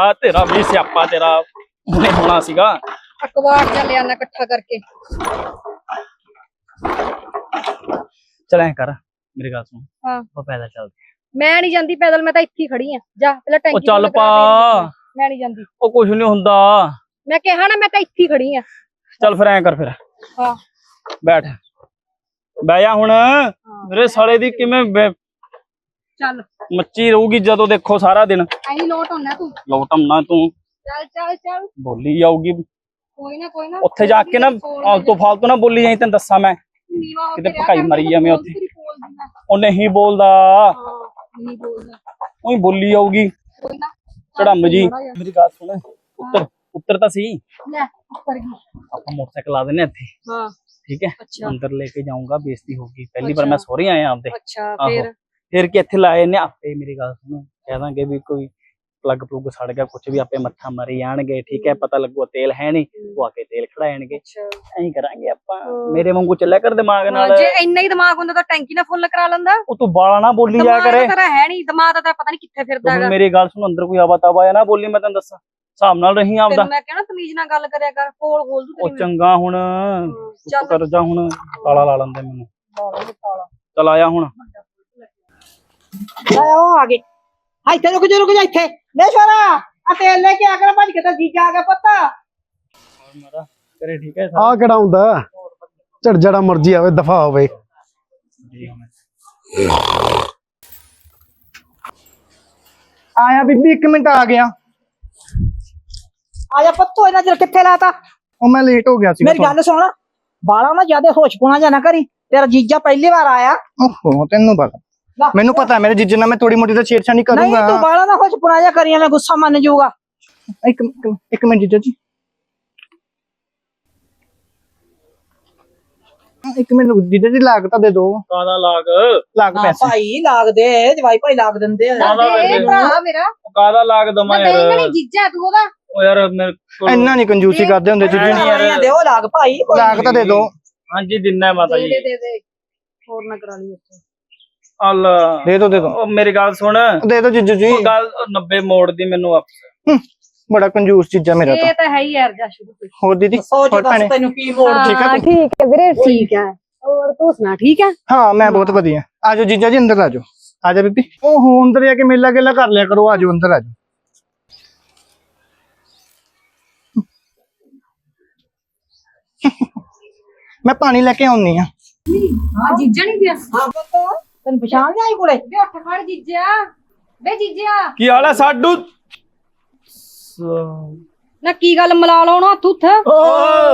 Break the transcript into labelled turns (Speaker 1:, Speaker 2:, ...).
Speaker 1: तेरा भी स्यापा तेरा हुणे होना सीगा।
Speaker 2: अखबार च ले आना इकट्ठा करके।
Speaker 1: चल ऐ कर मेरी गल सुन
Speaker 2: हाँ
Speaker 1: वो पैदल चलते
Speaker 2: मैं नहीं जाती पैदल, मैं तो इत्थे ही खड़ी हां। जा पहले टैंकी
Speaker 1: चल
Speaker 2: फुल करा
Speaker 1: पा
Speaker 2: फिर मैं नहीं जाती।
Speaker 1: ओ कुछ नहीं हुंदा।
Speaker 2: मैं कहा ना मैं तो इत्थे ही खड़ी हां।
Speaker 1: चल फिर ऐ कर फिर
Speaker 2: हां
Speaker 1: बैठ बह जा हुण मेरे साले दी किवें
Speaker 2: चल
Speaker 1: मच्ची रहूगी जदों देखो सारा दिन।
Speaker 2: अही लोट होना तू।
Speaker 1: लौटमना तू
Speaker 2: चल चल चल
Speaker 1: बोली जाऊगी
Speaker 2: कोई ना
Speaker 1: उत्थे जाके ना फालतू ना बोली जाई। तैनूं दस्सां मैं
Speaker 2: नीवा हो
Speaker 1: किते
Speaker 2: के
Speaker 1: भकाई मरी जावें उत्थे। ओ नहीं बोलदा
Speaker 2: नहीं बोलना
Speaker 1: ओही बोली जाऊगी
Speaker 2: कोई ना
Speaker 1: चढ़म जी। मेरी गल सुन उत्तर उत्तर तां सही
Speaker 2: ले ऊपर की।
Speaker 1: आपां मोटरसाइकिल ला दिन्ने इत्थे
Speaker 2: हां
Speaker 1: ठीक है।
Speaker 2: अच्छा
Speaker 1: अंदर लेके जाऊंगा बेइज्जती होगी पहली बार मैं सौरी आया आपदे।
Speaker 2: अच्छा
Speaker 1: आहो फिर कि इत्थे लाए ने आपे। मेरी गल सुन कह दांगे भी कोई प्लग प्लुग सड़ गया कुछ भी आपे मत्था मारी जाणगे ठीक है। पता लगूगा तेल है नहीं वो आके तेल खड़ा जाणगे। ऐं करांगे आपां। मेरे वांगू चलिया कर दिमाग नाल।
Speaker 2: जे इन्ना ही दिमाग हुंदा तां टैंकी ना फुल करा लंदा।
Speaker 1: ओ तू बाला ना बोली जाया करे।
Speaker 2: दिमाग तेरा है नहीं, दिमाग तां पता नहीं कित्थे फिरदा
Speaker 1: तू
Speaker 2: हैगा।
Speaker 1: मेरी गल सुन अंदर कोई आवा तावा ना बोली मैं तैनूं दस्सां हिसाब नाल रही आपदा।
Speaker 2: मैं कहना तमीज नाल गल करया कर। कोल खोल दू
Speaker 1: ओ
Speaker 2: तेरी
Speaker 1: चंगा हुण चुप कर जा हुण ताला ला लंदे मैनूं। चल आया हुण
Speaker 3: ओ आ गए। ਇੱਥੇ रुक जा ਇੱਥੇ ਲੈ ਛੋਰਾ ਆ ਤੇਲ ਲੈ ਕੇ ਆ ਕਰ ਭੱਜ ਕੇ ਤਾਂ ਜੀਜਾ ਆ ਗਿਆ ਪਤਾ।
Speaker 1: और मारा करे ठीक है
Speaker 4: ਆ ਕਿਹੜਾ ਹੁੰਦਾ ਝੜ ਜਿਹੜਾ ਮਰਜੀ ਆਵੇ ਦਫਾ ਹੋਵੇ।
Speaker 3: ਆਇਆ ਬੀਬੀ 1 ਮਿੰਟ ਆ ਗਿਆ। ਆਇਆ ਪੱਤੋ ਇਹਨਾਂ ਚਿਰ ਕਿੱਥੇ ਲਾਤਾ।
Speaker 4: ਉਹ ਮੈਂ ਲੇਟ ਹੋ ਗਿਆ ਸੀ।
Speaker 3: ਮੇਰੀ ਗੱਲ ਸੁਣ ਬਾਲਾ ਨਾ ਜਿਆਦੇ ਹੋਸ਼ਪੁਣਾ ਜਾਂ ਨਾ ਕਰੀ। ਤੇਰਾ ਜੀਜਾ ਪਹਿਲੀ ਵਾਰ ਆਇਆ।
Speaker 4: ਓਹੋ ਤੈਨੂੰ ਪਤਾ ਮੈਨੂੰ ਪਤਾ ਮੇਰੇ ਜੀਜੇ ਨਾਲ ਮੈਂ ਥੋੜੀ ਮੋਟੀ ਤਾਂ ਛੇੜਛਾਣੀ
Speaker 3: ਨਹੀਂ
Speaker 4: ਕਰੂੰਗਾ।
Speaker 3: ਤੂੰ ਬਾਲਾ ਨਾ ਹੋਸ਼ਪੁਣਾ ਜਾਂ ਕਰੀ ਐਵੇਂ ਗੁੱਸਾ ਮੰਨ ਜਾਊਗਾ।
Speaker 4: ਇੱਕ ਮਿੰਟ ਜੀਜਾ ਜੀ ਇੱਕ ਮਿੰਟ ਜੀਜਾ ਜੀ ਲਾਗ ਤਾਂ ਦੇ ਦੋ।
Speaker 1: ਕਾਦਾ ਲਾਗ
Speaker 4: ਲਾਗ ਪੈਸੇ
Speaker 3: ਭਾਈ ਲਾਗ ਦੇ ਜਵਾਈ ਭਾਈ ਲਾਗ ਦਿੰਦੇ ਆ।
Speaker 2: ਦੇ ਭਰਾ ਮੇਰਾ
Speaker 1: ਕਾਦਾ ਲਾਗ ਦਮਾ
Speaker 2: ਮੈਂ
Speaker 1: यार।
Speaker 2: ਨਹੀਂ ਜੀਜਾ ਤੂੰ ਉਹਦਾ।
Speaker 1: ओ यार मेरे को
Speaker 4: ਇੰਨਾ ਨਹੀਂ ਕੰਜੂਸੀ ਕਰਦੇ ਹੁੰਦੇ ਜੀਜੇ
Speaker 1: ਨਹੀਂ ਯਾਰ।
Speaker 3: ਦੇ ਉਹ ਲਾਗ ਭਾਈ
Speaker 4: ਲਾਗ ਤਾਂ ਦੇ ਦੋ।
Speaker 1: हाँ जी दिना है माता जी
Speaker 2: ਦੇ ਹੋਰ ਨਾ ਕਰਾ ਲਈ ਉੱਥੇ।
Speaker 1: अल्लाह
Speaker 4: ਦੇ ਦੋ
Speaker 1: ओ मेरी गल सुन
Speaker 4: ਦੇ ਦੋ ਜੀਜੂ ਜੀ।
Speaker 1: गल 90 मोड़ दी मैनू वापस।
Speaker 4: ਬੜਾ ਕੰਜੂਸ ਚੀਜ਼ਾਂ ਮੇਰਾ ਤਾਂ।
Speaker 2: ਇਹ ਤਾਂ ਹੈ ਹੀ ਯਾਰ ਜਾ ਸ਼ੁਰੂ ਤੋਂ।
Speaker 4: ਹੋਰ ਦੀਦੀ
Speaker 3: ਸੋਚ
Speaker 4: ਹੋਰ
Speaker 3: ਦੱਸ
Speaker 4: ਭੈਣੇ
Speaker 3: ਤੈਨੂੰ ਕੀ ਮੋੜ
Speaker 4: ਠੀਕ ਆ ਤੂੰ?
Speaker 2: ਠੀਕ ਹੈ ਵੀਰੇ ਠੀਕ ਹੈ। ਹੋਰ ਤੂੰ ਸੁਣਾ ਠੀਕ ਹੈ।
Speaker 4: ਹਾਂ ਮੈਂ ਬਹੁਤ ਵਧੀਆ। ਆਜੋ ਜੀਜਾ ਜੀ ਅੰਦਰ ਆਜੋ। ਆਜਾ ਬੀਬੀ ਓਹੋ ਅੰਦਰ ਜਾ ਕੇ ਮੇਲਾ ਗੇਲਾ ਕਰ ਲਿਆ ਕਰੋ। ਆਜੋ ਅੰਦਰ ਆਜੋ। ਮੈਂ ਪਾਣੀ ਲੈ ਕੇ ਆਉਣੀ ਆ।
Speaker 2: ਹਾਂ ਜੀਜਾ ਨਹੀਂ ਪਿਆ।
Speaker 3: ਹਾਂ ਪੁੱਤ ਤੈਨੂੰ ਪਛਾਣ ਨਹੀਂ ਆਈ ਕੋਲੇ।
Speaker 2: ਵੇ ਉੱਠ ਖੜ ਜੀਜਾ। ਵੇ ਜੀਜਾ
Speaker 1: की हाल है साडू
Speaker 2: ਨਾ ਕੀ ਗੱਲ ਮਲਾ ਲਾਉਣਾ ਹੱਥ ਉੱਥੇ।